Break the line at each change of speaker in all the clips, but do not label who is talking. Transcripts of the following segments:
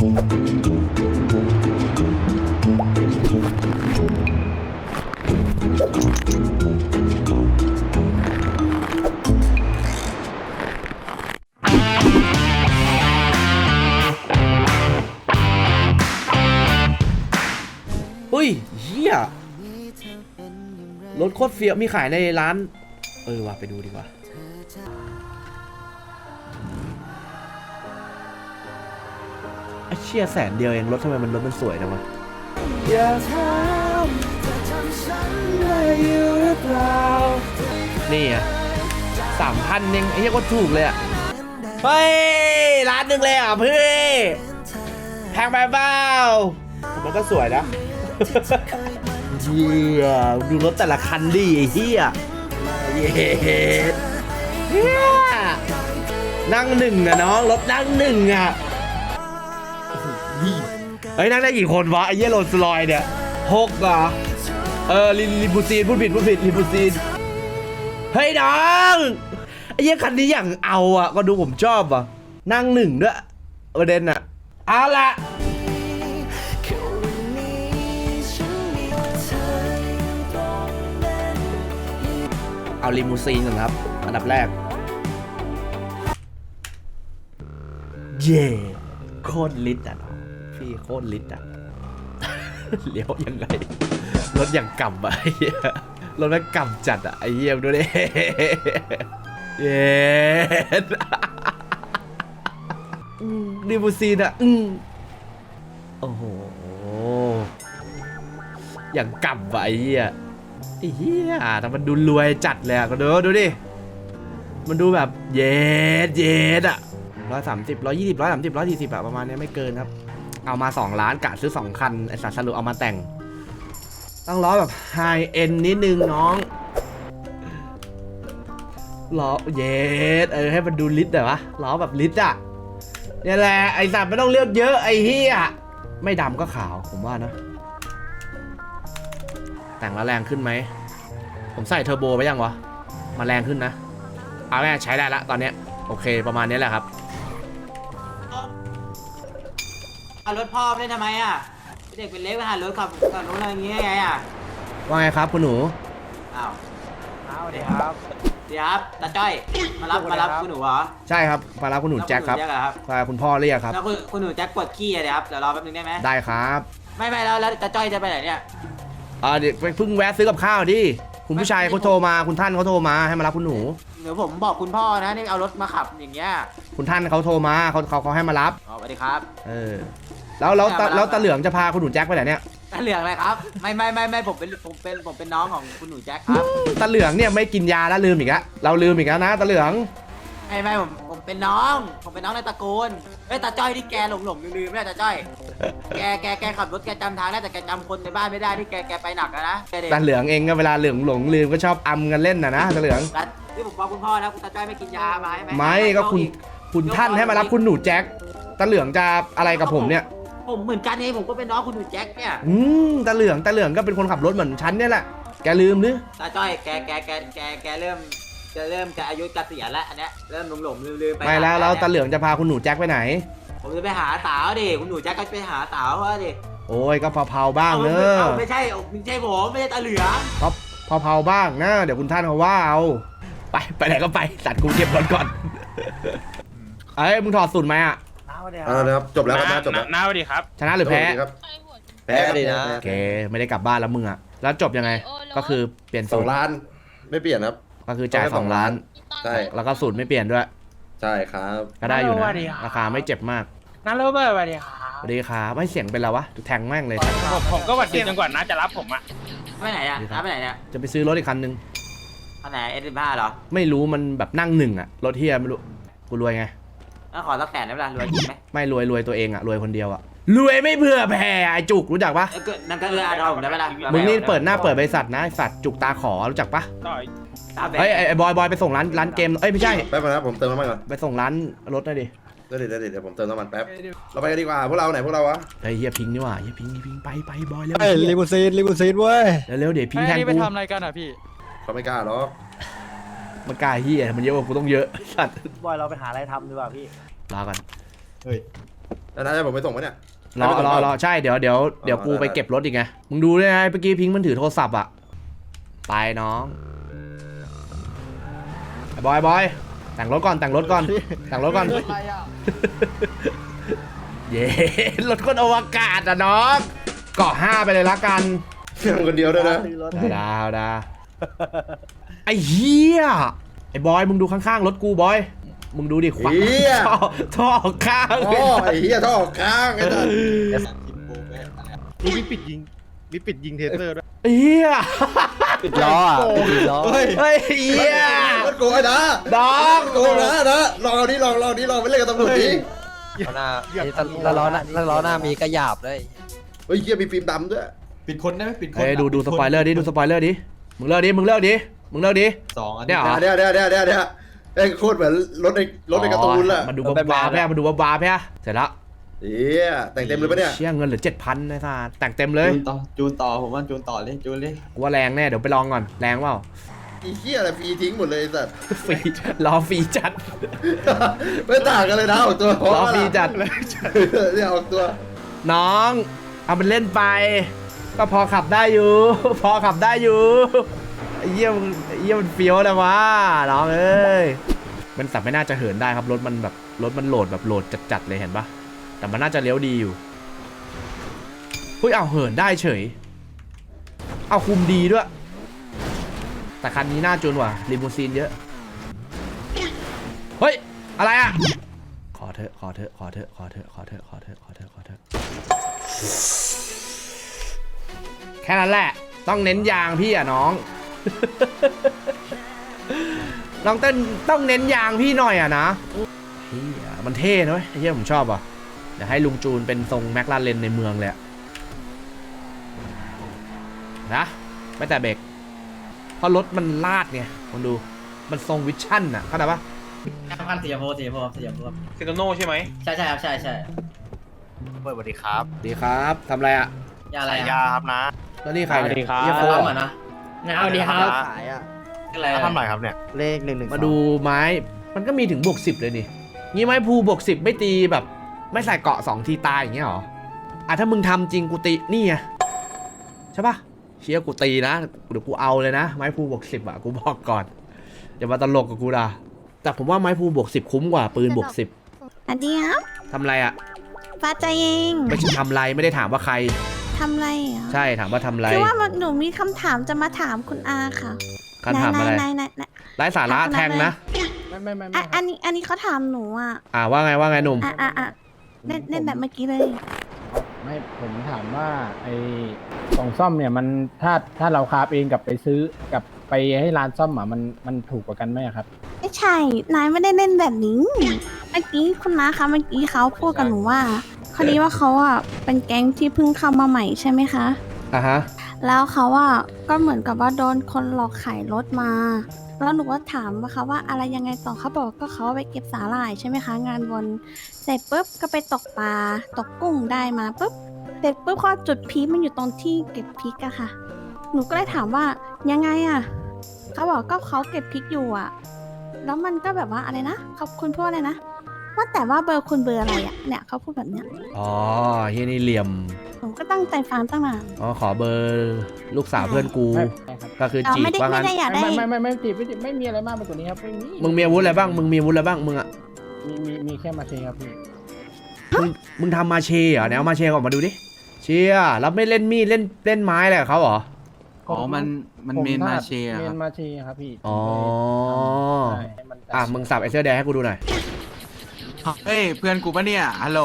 อุ้ยเฮียรถโคตรเฟี้ยวมีขายในร้านว่ะไปดูดีกว่าไอ้เชี่ย100,000เดียวเองรถทำไมรถมันสวยจังวะอย่าถามจะจำฉันได้อยู่หรือเปล่านี่อ่ะ3,000เองไอ้เหี้ยก็ถูกเลยอ่ะเฮ้ยร้านหนึ่งเลยอ่ะพี่แพงไปเปล่ามันก็สวยนะเหี้ยดูรถแต่ละคันดิไอ้เหี้ยเย้นั่งหนึ่งอะน้องรถนั่งหนึ่งอะเฮ้ยนั่งได้กี่คนวะไอ้เหี้ยโรลส์รอยซ์เนี่ย6เหรอลิมูซีนพูดผิดลิมูซีนเฮ้ยน้องไอ้เหี้ยคันนี้อย่างเอาอะก็ดูผมชอบอะนั่งหนึ่งด้วยประเด็นอะเอาละเอาลิมูซีนก่อนครับอันดับแรกเย่โคตรลิตอ่ะพี่โคตรลิตอ่ะ เลี้ยวยังไงรถอย่างกำอ่ะไอ้เหี้ยรถแม่งกำจัดอ่ะไอ้เหี้ยดูดิเย่ลิมูซีนอ่ะโอ้โหอย่างกำอ่ะไอ้เหี้ยไอ้เหี้ยแต่มันดูรวยจัดเลยอะก็ดูดิมันดูแบบเย็ดอะ130 120 130 140อะประมาณนี้ไม่เกินครับเอามา2 ล้านกะซื้อ2 คันไอ้สัตว์สรุปเอามาแต่งต้องล้อแบบไฮเอ็นนิดนึงน้องล้อเย็ดให้มันดูลิตรหน่อยวะล้อแบบลิตรอะนี่แหละไอ้สัตว์ไม่ต้องเลือกเยอะไอ้เหี้ยไม่ดำก็ขาวผมว่านะแต่งแล้วแรงขึ้นไหมผมใส่เทอร์โบไปยังวะมาแรงขึ้นนะเอาแม่ใช้ได้ละตอนนี้โอเคประมาณนี้แหละครับ
เอารถพ่อไม่ได้ทำไมอ่ะเด็กเป็นเล็กไปหารถขับรถอะไรอย่างเงี้ยไงอ่ะ
ว่าไงครับคุณหนู
อ้าวเดี๋ยวครับตาจ้อยมารับคุณหนูเหรอ
ใช่ครับมารับคุณหนูแจ็คครับคุณพ่อเรียกครับ
แล้วคุณหนูแจ็คปวดขี้อะเดี๋ยวครับเดี๋ยวรอแป๊บนึงได้ไหม
ได้ครับ
ไม่แล้วตาจ้อยจะไปไหนเนี่ย
เดี๋ยวเพิ่งแวะซื้อกับข้าวดิคุณผู้ชายเขาโทรมาคุณท่านเขาโทรมาให้มารับคุณหนู
เดี๋ยวผมบอกคุณพ่อนะนี่เอารถมาขับอย่างเงี้ย
คุณท่านเขาโทรมาเขาให้มารับ
สวัสดีครับ
แล้วตาเหลืองจะพาคุณหนูแจ็คไปไหนเนี่ย
ตาเหลืองอะไรครับไม่ผมเป็นน้องของคุณหนูแจ็คครับ
ตาเหลืองเนี่ยไม่กินยาแล้วลืมอีกแล้วเราลืมอีกแล้วนะตาเหลือง
ไม่ผมเป็นน้องในตระกูลตาจ้อยที่แกหลงลืมไม่ได้ตาจ้อยแกขับรถแกจำทางได้แต่แกจำคนในบ้านไม่ได้ที่แกไปหนักนะ
ตาเหลืองเองก็เวลาหลงลืมก็ชอบอำกันเล่นนะตาเหลือง
ที่ผมบอกคุณพ่อนะคุณตาจ้อยไม่กินยาไหม
ไม่ก็คุณท่านให้มารับคุณหนูแจ็คตาเหลืองจะอะไรกับผมเนี่ย
ผมเหมือนกันเองผมก็เป็นน้องคุณหนูแจ็คเนี่ย
ตาเหลืองก็เป็นคนขับรถเหมือนฉันเนี่ยแหละแกลืมหรือ
ตาจ้อยแกเริ่มจะอายุเกษียณแล้วอันเนี้ยเริ่มหลงลืมไป
ไม่แล้วตาเหลืองจะพาคุณหนูแจ็คไปไหน
ผมจะไปหาสาวดิคุณหนูแจ็คก็ไปหาสาวเขาดิ
โอ้ยก็เผาบ้างเนอะ
ไม่ใช่ผมไม่ใช่ตาเหลือง
ก็เผาบ้างนะเดี๋ยวคุณท่านเขาว่าเอาไปไหนก็ไปสัตว์กูเก็บรถก่อนมึงถอดสูตรไหมอ่ะ
นะครับจบแล้วครับจบแล้ว
น้าสวัสดีครับ
ชนะหรือแพ้
แพ้ดีนะ
โอเคไม่ได้กลับบ้านแล้วมึงอ่ะแล้วจบยังไงก็คือเปลี่ยนสูตร
2 ล้านไม่เปลี่ยนครับ
ก็คือจ่าย2 ล้าน
ใช่
แล้วก็สูตรไม่เปลี่ยนด้วย
ใช่ครับ
ก็ได้อยู่นะราคาไม่เจ็บมาก
น้าโรเบิร์ตสวัสดีครับ
สวัสดีครับไม่เสียงเป็นไรวะแทงแม่งเลย
ผมก็หวัดดีจนกว่าน้าจะรับผมอ่ะ
ไปไหนอ่ะน้าไปไหนเนี่ย
จะไปซื้อรถอีกคันนึง
คันไหนS15เหรอ
ไม่รู้มันแบบนั่งหนึ่งอ่ะรถเฮียไม่รู้กูรวยไง
ขอสัก100,000ได้เวลารวยจริงไหม
ไม่รวยตัวเองอ่ะรวยคนเดียวอ่ะรวยไม่เผื่อแผ่ไอจุกรู้จักปะ
นั่นก็อาผมได้เวลา
มึงนี่เปิดหน้าเปิดบริษัทนะสัตว์จุกตาขอรู้จักปะเฮ้ยไอบอยไปส่งร้านเกมไม่ใช่
แป๊บนะผมเติมน้ำมันก่อน
ไปส่งร้านรถหน่อยดิ
เดี๋ยวผมเติมน้ำมันแป๊บเราไปกันดีกว่าพวกเราไหนพวกเราวะ
เฮ้ยเฮียพิงนี่ว่ะเฮียพิงไปบอยเร็ว
ลิมูซีนเว้ย
เร็วเดี๋ยวพิงแทนกู
ไปทำอะไรกันอ่ะพี่
เขาไม่กล้าหรอก
มันกล้าเฮียมันเยอะกว่ากูต้องเยอะสัตว์
บอยเราไปหาอะไรทำดีกว่าพี่
ลากัน
เฮ้ย
แล้วนะจะผมไปส่งไหมเนี่ย
รอใช่เดี๋ยวกูไปเก็บรถอีกไงมึงดูด้วยนะเมื่อกี้พิงค์มันถือโทรศัพท์อ่ะไปน้องไอ้บอยแต่งรถก่อนเย้รถคนอวกาศอ่ะน้องเกาะ5ไปเลยละกัน
คนเดียวด้วยนะ
ดาวไอ้เหี้ยไอ้บอยมึงดูข้างๆรถกูบอยมึงดูดิขวา
เฮีย
ท่อข้าง
โอ้ไอ้เฮียท่อออกข้างไอ้สัส
มีปิดยิงเทเซอร์ด้วย
เหี้ย
ปิดล้ออ่ะปิดล้อ
เฮ้ย
เฮ้ยเหี้ย
มันโกงไอ้นะ
น้อง
โกงนะลองเอาดิลองไปเล่นกับตำรวจดิ
หน้าถ้าล้อหน้ามีกระหยาบเลย
เฮ้ยเฮียมีฟิล์มดำด้วย
ปิดคนได้ไหมปิดคน
เฮ้ยดูสปอยเลอร์ดิมึงเลิกดิ
สองอัน
เนี่ยเหรอ
เดี๋ยวไอ้โคตรเหมือนรถในการ์ตูนเลย
มันดูบ้าแพ้มันดูบ้าแพ้เสร็จแล้ว
เฮียแต่งเต็มเลยปะเนี่ย
เชี่ยเงินเหลือ 7,000นะท่าแต่งเต็มเลย
จูนต่อผมว่าจูนต่อเลยจูนเลย
กูว่าแรงแน่เดี๋ยวไปลองก่อนแรงเปล่า
ไอ้เฮียอะไรฟรีทิ้งหมดเลยไอ้สัส
ฟรีรอฟรีจัด
ไม่ต่างกันเลยนะออกตัว
รอฟรีจัด
เนี่ยออกตัว
น้องเอามันเล่นไป ก็พอขับได้อยู่ ไอ้เยี่ยมันเฟี้ยวนะวะน้องเอ้ยมันสับไม่น่าจะเหินได้ครับรถมันโหลดแบบโหลดจัดๆเลยเห็นปะแต่มันน่าจะเลี้ยวดีอยู่เฮ้ยเอาเหินได้เฉยเอาคุมดีด้วย แต่คันนี้น่าจูนว่ะลิมูซีนเยอะเฮ้ยอะไรอ่ะขอเถอะแค่นั้นแหละต้องเน้นยางพี่อ่ะน้อง น้องต้องเน้นยางพี่หน่อยอ่ะนะเฮียมันเท่นะเว้ยไอ้เฮียผมชอบอ่ะเดี๋ยวให้ลุงจูนเป็นทรงแมคลาเรนในเมืองเลยนะไม่แต่เบรกเพราะรถมันลาดไงคุณดูมันทรงวิชั่นอ่ะเข้าใจปะ
พันสีชมพูสีชมพู
เซนโน่ใช่ไหม
ใช่ครับใช่
สวัสดีครับ
ดีครับทำอะไรอ่ะ
ยาอะไร
ยาครับนะ
แล้วนี่ใครเนี่ย
สวัสดีครับ
เฮียโฟ
ปั๊ม
เหร
อ่ะ
อ
นะเอาดีครับ
ขายอ่ะ
อะไร
ทำไรครับเนี่ยเลข112
มาดูไม้มันก็มีถึง+10เลยนี่งี้ไม้ภู+10ไม่ตีแบบไม่ใส่เกาะ2ทีตายอย่างเงี้ยหรออ่ะถ้ามึงทำจริงกูตีนี่ไงใช่ปะเชี่ยกูตีนะเดี๋ยวกูเอาเลยนะไม้ภู+10อ่ะกูบอกก่อนอย่ามาตลกกับกูด่าแต่ผมว่าไม้ภู+10คุ้มกว่าปืน+10
อันเดียว
ทำอะไรอ่ะ
ฟ้าใจเอง
ไม่ใช่ทำอะไรไม่ได้ถามว่าใคร
ทำอะไรเหรอ
ใช่ถามว่าทำอะไร
คือว่าหนูมีคำถามจะมาถามคุณอาค่ะ
คำถามอะไร
ไหน
ไร้สาระแทงนะ
อ่ะอันนี้เขาถามหนูอ่ะ
ว่าไงหนุ่ม
เล่นแบบเมื่อกี้เลย
ไม่ผมถามว่าไอ้กล่องซ่อมเนี่ยมันถ้าเราคราฟเองกับไปซื้อกับไปให้ร้านซ่อมอ่ะมันถูกกว่ากันไหมอะครับ
ไม่ใช่ นายไม่ได้เล่นแบบนี้ เมื่อกี้คุณน้าคะเมื่อกี้เขาพูดกับหนูว่าคดีว่าเขาอ่ะเป็นแก๊งที่เพิ่งเข้ามาใหม่ใช่ไหมคะ
อ่ะฮะ
แล้วเขาอ่ะก็เหมือนกับว่าโดนคนหลอกขายรถมา แล้วหนูก็ถามว่าเขาว่าอะไรยังไงต่อเขาบอกก็เขาไปเก็บสาหร่ายใช่ไหมคะงานวนเสร็จปุ๊บก็ไปตกปลาตกกุ้งได้มาปุ๊บเสร็จปุ๊บพอจุดพีคมันอยู่ตรงที่เก็บพริกอะค่ะ หนูก็เลยถามว่ายังไงอะเขาบอกก็เขาเก็บพริกอยู่อะแล้วมันก็แบบว่าอะไรนะขอบคุณพูดอะไรนะว่าแต่ว่าเบอร์คุณเบอร์อะไรอะเนี่ยเขาพูดแบบเนี้ย
อ๋อเฮียนี่เหลี่ยม
หนูก็ตั้งใจฟังตั้งนาน
อ๋อขอเบอร์ลูกสาวเพื่อนกู
ไม่ครับ
ก็คือ
เรา
จีบ
ไม่ได้
ว่า
ไม่
งั้น
ได้อยากได้
ไม่จีบไม่มีอะไรมากไปกว่านี้ครับไม่มี
มึงมีอาวุธอะไรบ้างมึงอ่ะ
มีแค่มาเชครับพี่
มึงทำมาเชเหรอไหนเอามาเชออกมาดูดิเชียแล้วไม่เล่นมีดเล่นไม้อะไรกับเขาเหรอ
อ๋อมันเมนมาเชีย
เม
ครั
น
บ
มาเชครับพี่
อ๋อ
ใช่ให้มัน
อ่ะมึงสับไอ้เสื้อแดงให้กูดูหน่อย
เฮ้ยเพื่อนกูปะเนี่ยฮัลโหล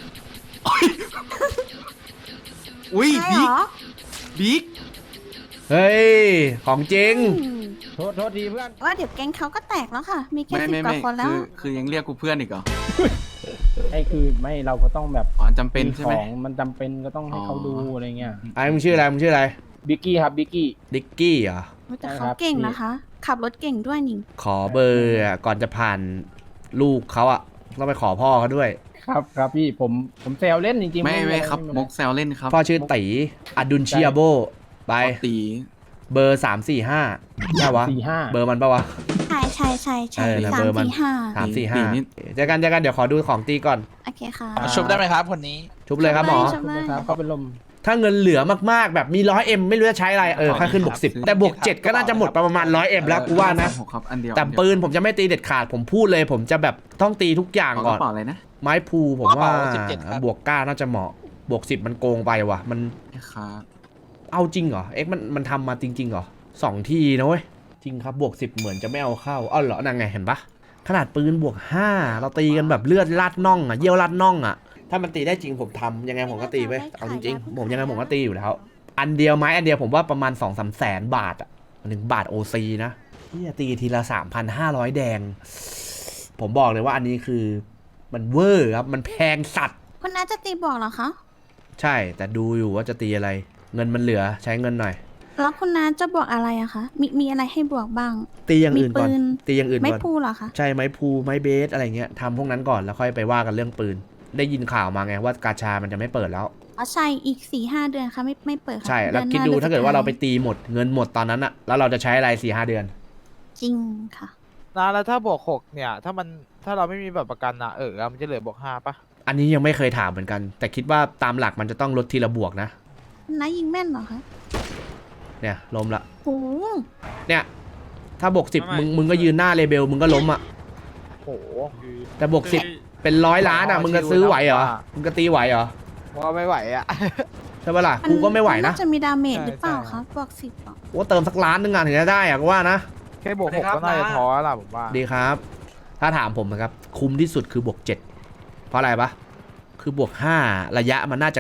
อุ้ย
ใช่เหรอ
บิ๊ก
เฮ้ยของจริง
อืม
โทษทีเพื่อน
ว่าเดี๋ยวแก๊งเขาก็แตกแล้วค่ะ มีแค่
ไม่
10 กว่าคนแล้ว
คือยังเรียกกูเพื่อนอีกเหรอ
ไอ้คือไม่เราก็ต้องแบบ
อ๋อจำเป็นใช่ไหม
ของมันจำเป็นก็ต้องให้เขาดูอะไรเงี้ย
ไอ้มึงชื่ออะไร
บิกกี้ครับบิกกี้
ดิกกี้เหรอ
แต่
ใช่ค
เขา
รับ
เก่งนะคะ ขับรถเก่งด้วยนี่
ขอเบอร์อ่ะก่อนจะผ่านลูกเขาอ่ะต้องไปขอพ่อเขาด้วย
ครับพี่ผมแซวเล่นจริงๆ
ไม่ครับมกแซวเล่นครับ
พ่อชื่อตีอดุลเชียโบไป
ตี
เบอร์345ใช่วะ
45
เบอร์มันปะวะ
ใช่ใช่ใช่ใช่
เออนะ
สา
เบ
ม
อร์มัน
สี่ห้า
3 4
ตี
5
นิด
เจอกันเดี๋ยวขอดูของตีก่อน
โอเคค่ะ
ชุบได้ไหมครับคนนี้
ชุบเลยครับหมอ
ชมเลย
ครับเขาเป็นลม
ถ้าเงินเหลือมากๆแบบมี100M ไม่รู้จะใช้อะไรค่าขึ้นบวก10แต่บวก7ก็น่าจะหมดประมาณ100M แล้วกูว่านะ
หกครับอันเดียว
แต่ปืนผมจะไม่ตีเด็ดขาดผมพูดเลย ผมจะแบบต้องตีทุกอย่าง
ขอ
ก่
ก
อน
ระเป๋าอะไรนะ
ไม้พูผมว่า
17ครับ
บวก9น่าจะเหมาะบวก10มันโกงไปว่ะมัน
ครับ
เอาจริงเหรอเอ็กมันทำมาจริงๆเหรอ2 ทีนะเว้ยจริงครับบวก10เหมือนจะไม่เอาเข้าอ้าวเหรอนั่นไงเห็นปะขนาดปืนบวก5เราตีกันแบบเลือดลาดน่องอ่ะเยี่ยวลาดน่องอ่ะถ้ามันตีได้จริงผมทำยังไงผมก็ตีเว้ยเอาจริงๆผมยังไงผมก็ตีอยู่แล้วอันเดียวไม้อันเดียวผมว่าประมาณ 2-3 แสนบาทอ่ะ1 บาท OC นะที่จะตีทีละ 3,500 แดงผมบอกเลยว่าอันนี้คือมันเวอร์ครับมันแพงสัตว์
คุณน้าจะตีบอกเหรอคะ
ใช่แต่ดูอยู่ว่าจะตีอะไรเงินมันเหลือใช้เงินหน่อย
แล้วคุณน้าจะบวกอะไรอะคะมีอะไรให้บวกบ้าง
ตีอย่างอื่นก่อน
มีปืน
ตีอย่างอื่น
ไม่
ก่อน
พูเหรอคะ
ใช่ไม้พูไม้เบสอะไรเงี้ยทำพวกนั้นก่อนแล้วค่อยไปว่ากันเรื่องปืน ได้ยินข่าวมาไงว่ากาชามันจะไม่เปิดแล้ว
อ๋อใช่อีก 4-5 เดือนค่ะไม่เปิดค่ะ
ใช่แล้ว
อนหน้
คิดดู
อน
ถ้าเกิดว่าเราไป
สุท้ย
ตีหมดเงินหมดตอนนั้นอะแล้วเราจะใช้อะไร4-5 เดือน
จริงค่ะ
นะแล้วถ้าบวก6เนี่ย ถ้าเราไม่มีแบบประกันนะมันจะเหลือบวก5ปะ
อันนี้ยังไม่เคยถามเหมือนกัน แต่คิดว่าตามหลักมันจะต้องลดทีละบวกนะ
น้ายิงแม่นเหรอคะ
เนี่ยล้มละ
โอ้
เนี่ยถ้าบวก10มึงก็ยืนหน้าเลเบลมึงก็ล้มอะ
โอ้โห
แต่บวก10เป็น100 ล้านอะมึงจะซื้อไหวเหรอมึงจะตีไหวเหรอ
ว่าไม่ไหวอ่ะ
ใช่ปะล่ะกูก็ไม่ไหวนะ
าจะมีดาเมจ
ใช่
หรือเปล่า
ใช่
คะบวก10อ่ะ
ว่าเติมสักล้านนึงอะถึงจะได้อะก็ว่านะ
แค่บวก6ก็น่าจะท้อแล้วล่ะผมว่า
ดีครับ ถ้าถามผมนะครับ คุ้มที่สุดคือบวก7เพราะอะไรปะคือบวก5ระยะมันน่าจะ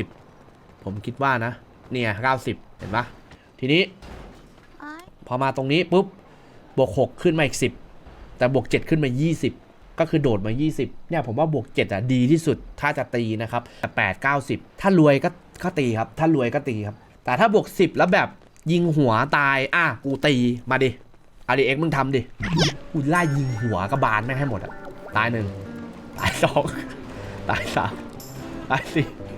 90 ผมคิดว่านะ เนี่ย90 เห็นปะทีนี้
อ้าย
พอมาตรงนี้ปุ๊บบวก6ขึ้นมาอีก10แต่บวก7ขึ้นมา20ก็คือโดดมา20เนี่ยผมว่าบวก7อ่ะดีที่สุดถ้าจะตีนะครับแต่8 90ถ้ารวยก็ตีครับถ้ารวยก็ตีครับแต่ถ้าบวก10แล้วแบบยิงหัวตายกูตีมาดิเอาดิเอ็กมึงทำดิกูไล่ยิงหัวกระบาลแม่งให้หมดอ่ะตาย1ตาย2ตาย3ตาย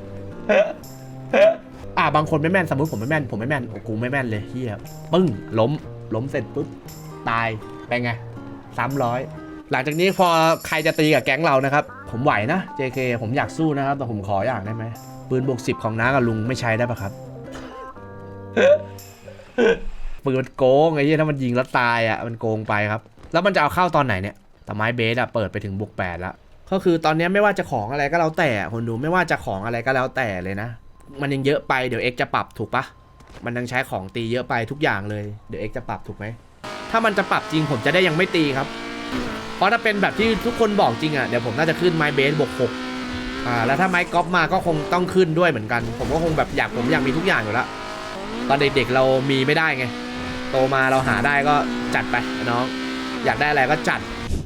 4บางคนไม่แม่นสมมติผมไม่แม่นโอ้กูไม่แม่นเลยเฮียปึ้งล้มเสร็จปุ๊บตายไปไง300หลังจากนี้พอใครจะตีกับแก๊งเรานะครับผมไหวนะ JK ผมอยากสู้นะครับแต่ผมขออย่างได้ไหมปืนบวก10ของน้ากับลุงไม่ใช้ได้ปะครับ ปืนมันโกงไอ้เหี้ยถ้ามันยิงแล้วตายอ่ะมันโกงไปครับแล้วมันจะเอาเข้าตอนไหนเนี่ยแต่ไม้เบสอ่ะเปิดไปถึงบวก8แล้วก็คือตอนนี้ไม่ว่าจะของอะไรก็แล้วแต่คนดูไม่ว่าจะของอะไรก็แล้วแต่เลยนะมันยังเยอะไปเดี๋ยว X จะปรับถูกปะมันยังใช้ของตีเยอะไปทุกอย่างเลยเดี๋ยว X จะปรับถูกไหมถ้ามันจะปรับจริงผมจะได้ยังไม่ตีครับเพราะถ้าเป็นแบบที่ทุกคนบอกจริงอ่ะเดี๋ยวผมน่าจะขึ้นไม้เบสบวก6แล้วถ้าไม้กอล์ฟมาก็คงต้องขึ้นด้วยเหมือนกันผมก็คงแบบผมอยากมีทุกอย่างอยู่แล้วตอนเด็กๆเรามีไม่ได้ไงโตมาเราหาได้ก็จัดไปน้องอยากได้อะไรก็จัด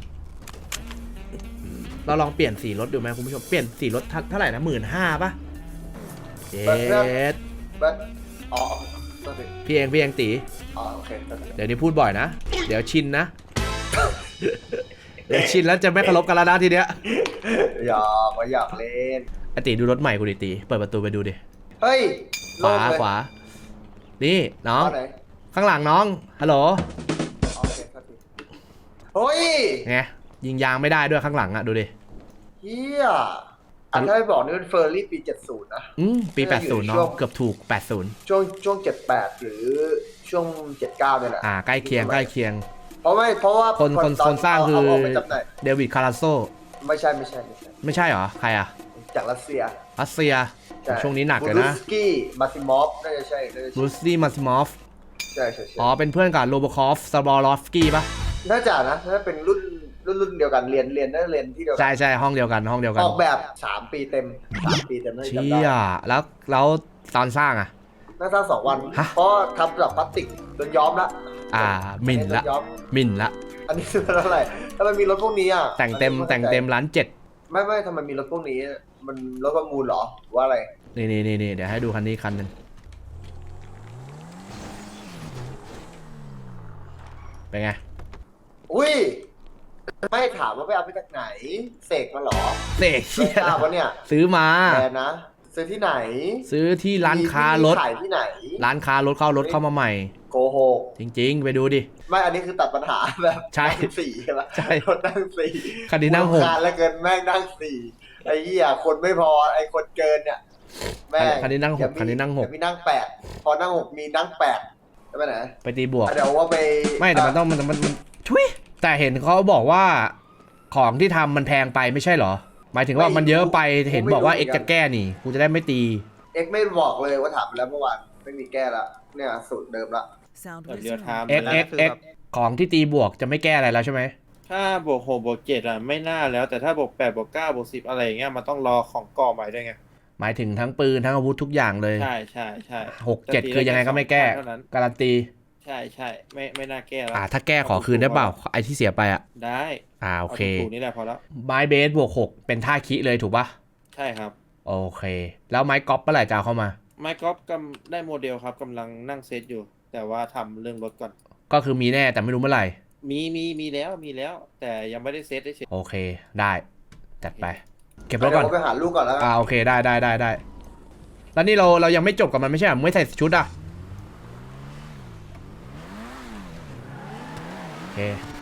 เราลองเปลี่ยนสีรถดูไหมคุณผู้ชมเปลี่ยนสีรถเท่าไหร่นะ15,000ป่ะเจ็ด
อ๋อ
พี่เองตี
อ๋อโอเค
เดี๋ยวนี้พูดบ่อยนะ เดี๋ยวชินนะ เดี๋ยวชินแล้วจะไม่เคารพกันแล้วนะทีเนี้ย
อยากเล่น
ไอตีดูรถใหม่กูดิตีเปิดประตูไปดูดิ
เฮ้ย
ขวานี่น้อง
ไหน
ข้างหลังน้องฮัลโหล
โอเคครับพี่เฮ้ย
ไงยิงยางไม่ได้ด้วยข้างหลังอะดูดิ
เฮียอันถ้าไม่บอกนี่เป็นเฟอร์รี่ปี 70 นะ
ปี
น่าจะอยู่
80 เนาะ
ช่วง
เกือบถูก 80
ช่วง 78 หรือช่วง 79เนี่ยแหละ
ใกล้เคียง
เพราะว่า
คนสร้างคือ
เอไปจำหน่าย
เดวิดคาราโซ
ไม่ใช่
ไม่ใช่เหรอใครอะ
จากรัสเซีย
รัสเซีย
ใช่
ช่วงนี้หนักเลยนะ
บูรุสกี้มาซิมอฟน่าจะใช่
บรูซลี่มาซิมอฟ
ใช่
อ๋อเป็นเพื่อนกับโรโบคอฟซาบอลอฟสกี้ปะ
น่าจะนะถ้าเป็นรุ่นเดียวกันเรียนน่าจะเรียนที่เดียวกั
ใช่ห้องเดียวกัน
ออกแบบ 3 ปีเต็มน่าจะจำ
เชี่
ได้
ยแล้วตอนสร้างอะ
น่าจะ2 วัน
ฮะ
เพราะทำจากพลาสติกโดนย้อมละ
หมิ่นละ
โดย้อม
หมิ่นละ
อันนี้ซื้อเท่าไหร่ถ้ามันมีรถพวกนี้อ่ะ
แต่งเต็มล้าน7
ไม่ทำไมมีรถพวกนี้ มันรถประมูลเหรอหรือว่าอะไร
นี่เดี๋ยวให้ดูคันนี้คันหนึ่งเป็นไง
อุ้ยไม่ถามว่าไปเอาไปจากไหนเสกมาเหรอ
เสก
ไม่ทราบวะเนี่ย
ซื้อมา
แบรนด์นะซื้อที่ไหน
ซื้อที่ร้านค้ารถ
ขายที่ไหน
ร้านค้ารถเข้ารถเข้ามาใหม่
โกหก
จริงๆ ไปดูดิ
ไม่อันนี้คือตัดปัญหาแบบ
ใช่
นั่งสี่ใช่ไหม
ใช่
รถนั่งสี่
คันนี้นั่งหก
รำคาญแล้วเกินแม่งนั่งสี่ไอ้เหี้ยคนไม่พอไอ้คนเกินเนี่ยแม่ง
คันนี้นั่งหก
เดี๋ยวมี
คันนี้นั่งหก
เดี๋ยวมีนั่งแปดพอนั่งหกมีนั่งแปดใช่ไหมนะ
ไปตีบวก
เดี๋ยวว่าไป
ไม่แต่มันต้องมันชุยแต่เห็นเขาบอกว่าของที่ทำมันแพงไปไม่ใช่เหรอ หมายถึงว่ามันเยอะไปเห็นบอกว่าเอ็กจะแก้นี่กูจะได้ไม่ตี
เอ็กไม่บอกเลยว่าถามไปแล้วเมื่อวานไม่มีแก้ละเนี่ยสูตรเดิมละ
เรือทาม
เอ็กของที่ตีบวกจะไม่แก้อะไรแล้วใช่ไหม
ถ้าบวก6บวก7อ่ะไม่น่าแล้วแต่ถ้าบวก8บวก9บวก10อะไรอย่างเงี้ยมันต้องรอของก่อใหม่ด้วยไง
หมายถึงทั้งปืนทั้งอาวุธทุกอย่างเลย
ใช่ใช่ใช่
6-7 คือยังไงก็ไม่แก้
เท่านั้น
การันตี
ใช่ใช่ไม่น่าแก้แล้ว
ถ้าแก้ขอคืนได้เปล่าไอที่เสียไปอ่ะ
ได้
โอเค
ถูกๆนี่แหละพอแล้ว
ไม้เบสบวก6เป็นท่าคิเลยถูกปะ
ใช่ครับ
โอเค แล้วไม้กอล์ฟเมื่อไหร่จะเอาเข้ามา
ไมค์กอล์ฟได้โมเดลครับกำลังนั่งเซตอยู่ แต่ว่าทำเรื่องรถก่อน
ก็คือมีแน่แต่ไม่รู้เมื่อไหร่
มีแล้ว แต่ยังไม่ได้เซตได้เฉย
โอเคได้จัดไป เก็บรถ
เดี๋
ก่
ย
อน
วไปหาลูกก่อนแล้วกัน
โอเคได้แล้วนี่เรายังไม่จบกับมันไม่ใช่เหรอมึงไม่ใส่ชุดอ่ะโอเค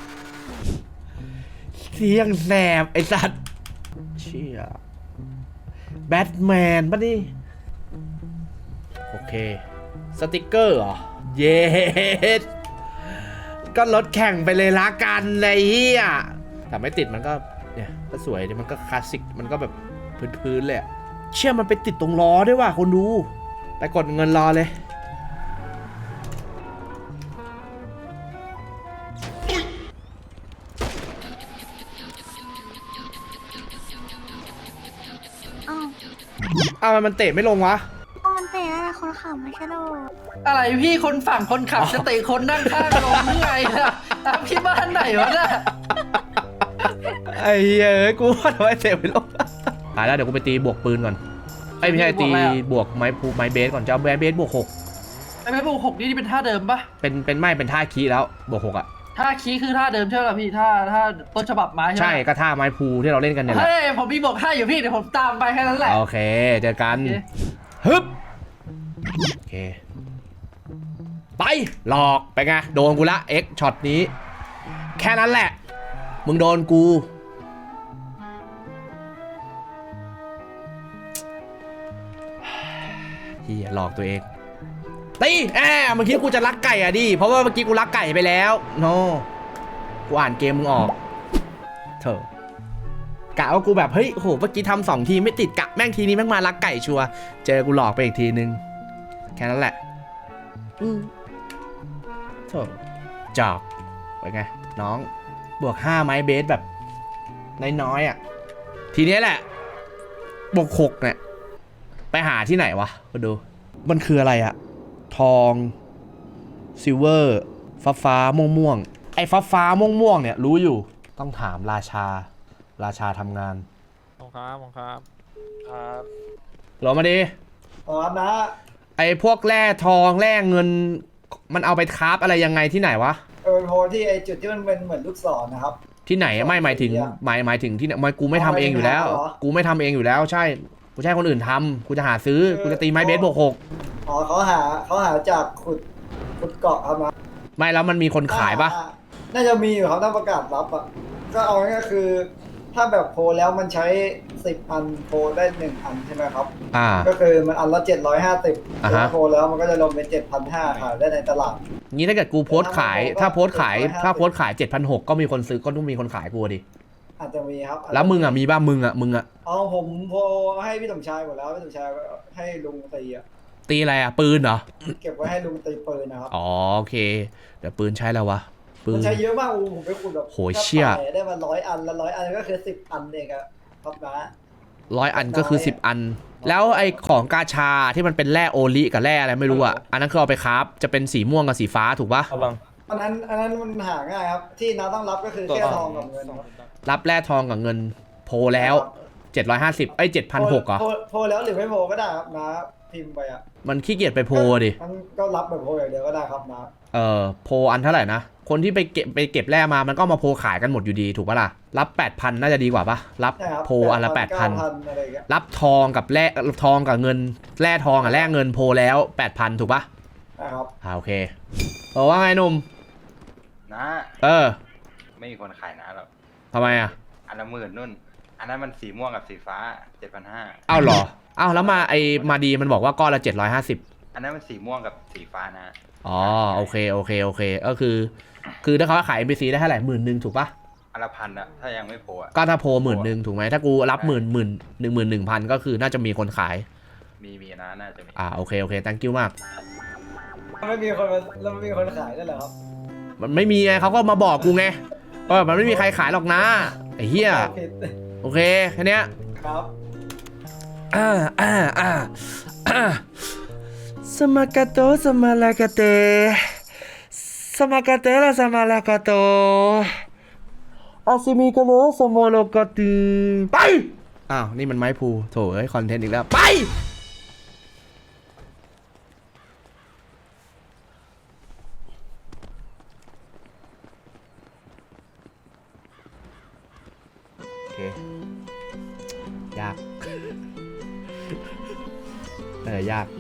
เสียงแสบไอสัตว์เชี่ยแบทแมนปะนี่โอเคสติกเกอร์เหรอเยสก็รถแข่งไปเลยละกันไอ้เหี้ยแต่ไม่ติดมันก็เนี่ยก็สวยดีมันก็คลาสสิกมันก็แบบพื้นๆเลยอะเชื่อมันไปติดตรงล้อด้วยว่ะคนดูไปกดเงินรอเลยอ้าวมันเตะไม่ลงวะ
มันเตะอะไรคนขับไม่ใช่หรอ
อะไรพี่คนฝั่งคนขับจะเตะคนนั่งข้างลงหรือไงล่ะพี่บ้านไหนวะน่ะ
ไอ้เหี้ยเอ้ยกูว่าทำไมเตะไม่ลงตายแล้วเดี๋ยวกูไปตีบวกปืนก่อนไอ้ยไม่ใช่ตีบวกไม้เบสก่อนจะเอาไม้เบสบวก6
ไอ้แม่บวก6นี่เป็นท่าเดิมปะ
เป็นท่าคีแล้วบวก6อ่ะ
ท่าคีคือท่าเดิมใช่ไหมพี่ท่าต้นฉบับไม้ใช่ไหม
ใช่ก็ท่าไม้พูที่เราเล่นกันเนี่ยแหละ
เฮ้ยผมมีบวก5อยู่พี่เดี๋ยวผมตามไปแค่นั้นแหละ
โอเคเจอกัน
โอเค
ฮึบโอเคไปหลอกไปไงโดนกูละเอ็กช็อตนี้แค่นั้นแหละมึงโดนกูเฮียหลอกตัวเองตีเมื่อกี้กูจะลักไก่อ่ะดิเพราะว่าเมื่อกี้กูลักไก่ไปแล้วโนกูอ่านเกมมึงออกเถอะกะว่ากูแบบเฮ้ยโหเมื่อกี้ทำ2 ทีไม่ติดกะแม่งทีนี้แม่งมาลักไก่ชัวร์เจอกูหลอกไปอีกทีนึงแค่นั้นแหละโถจอกไปไงน้องบวก5ไม้เบสแบบน้อยๆอ่ะทีนี้แหละบวก6เนี่ยไปหาที่ไหนวะมาดูมันคืออะไรอะทองซิลเวอร์ฟ้าม่วงไอ้ฟ้าม่วงเนี่ยรู้อยู่ต้องถามราชาทำงาน
ครับ
หรอมาดิ
อ๋อนะ
ไอ้พวกแร่ทองแร่เงินมันเอาไปคราฟอะไรยังไงที่ไหนวะ
โพที่ไอจุดที่มันเป็นเหมือนลูกศรนะครับ
ที่ไหนไม่หมายถึงหมายถึงที่ไหนกูไม่ทำเองอยู่แล้ว
เหรอ
กูไม่ทำเองอยู่แล้วใช่กูใช้คนอื่นทำกูจะหาซื้อกูจะตีไม้เบสบวก6
อ๋อเขาหาจากขุดเกาะครับนะ
ไม่แล้วมันมีคนขายปะ
น่าจะมีอยู่ครับถ้าประกาศรับอ่ะก็เอาง่ายๆคือถ้าแบบโพลแล้วมันใช้10 อันโพลได้1 อันใช่ไหมครับ ก็คือมันอันละ750ถ้าโพลแล้วมันก็จะลงเป็น7,500ขายได้ในตลาด
งี้ถ้าเกิดกูโพสต์ขายถ้าโพสต์ขาย 7,600ก็มีคนซื้อก็ต้องมีคนขายกูดิ
อาจจะมีครับ
แล้วมึงอ่ะมีบ้างมึงอ่ะ
เอาผมโพลให้พี่สมชายหมดแล้วพี่สมชายให้ลุงตีอ่ะ
ตีอะไรอ่ะปืนเหรอ
เก็บไว้ให้ลุงตีปืนนะครับ
อ๋อโอเคเดี๋ยวปืนใช้แล้ววะปื
มัน นใช้เยอะมากผมไปขุดแบบ
โหเชี่ย
ได้มา100 อันแล้ว100 อันก็คือ10 อันเองอะครับนะ
100 อันก็คือ10 อัน แล้วไอ้ของกาชาที่มันเป็นแร่โอลิกับแร่อะไรไม่รู้อ่ะอันนั้นคือเอาไปคราฟจะเป็นสีม่วงกับสีฟ้าถูกปะ
อันนั้นมันหาง่ายครับที่น้าต้องรับก็คือแค่ทองกับเงินครับ
รับแร่ทองกับเงินโพลแล้ว750 7,600เหรอ
โพลแล้วหรือไม่โพลก็ได้ครับนะพิมพ์ไปอ่ะ
มันขี้เกียจไปโพลดิ
มันก็รับแบบโพลอย่างเดียวก็ได้ครับนะ
โพลอันเท่าไหร่นะ คนที่ไปเก็บแร่มามันก็มาโพลขายกันหมดอยู่ดีถูกปะล่ะ รับ 8,000 น่าจะดีกว่าปะรับ
ใช่ครับ
โพลอันละ
9,000
8,000
อะไรอย่างเงี้ย
รับทองกับแร่ทองกับเงินแร่ทองกับแร่เงินโพลแล้ว 8,000 ถูกปะ
นะครับ
โอเคว่าไงหนุ่ม
นะ ไม่มีคนขายนะหรอก
ทำไมอ่ะ
อันละ10,000นุ่น อันนั้นมันสีม่วงกับสีฟ้า 7,500
อ้าวเหรออ้าวแล้วมาดีมันบอกว่าก้อนละ750
อันนั้นมันสีม่วงกับสีฟ้านะ
อ๋อโอเคก็คือถ้าเขาขาย NPC ได้เท่าไหร่10,000ถูกปะ
อันละ1,000อะถ้ายังไม่โผล่อะ
ก็ถ้าโพล10,000ถูกไหมถ้ากูรับ11,000ก็คือน่าจะมีคนขาย
มีนะน่าจะมี
โอเคthank you มาก
ไม่มีคนมาแล้วไม่มีคนขายได้เหรอครับ
มันไม่มีไงเขาก็มาบอกกูไงว่ามันไม่มีใครขายหรอกนะไอ้เหี้ย
ผิด
โอเคแค่เนี้ย
ครับ
สมากาโตสมาลากาเตสมากาเตละสมาลากาโตอาซิมิกาโลสมโลกาตีไปอ้าวนี่มันไม้พูโถเอ้ยคอนเทนต์อีกแล้วไปโอเคยากยาก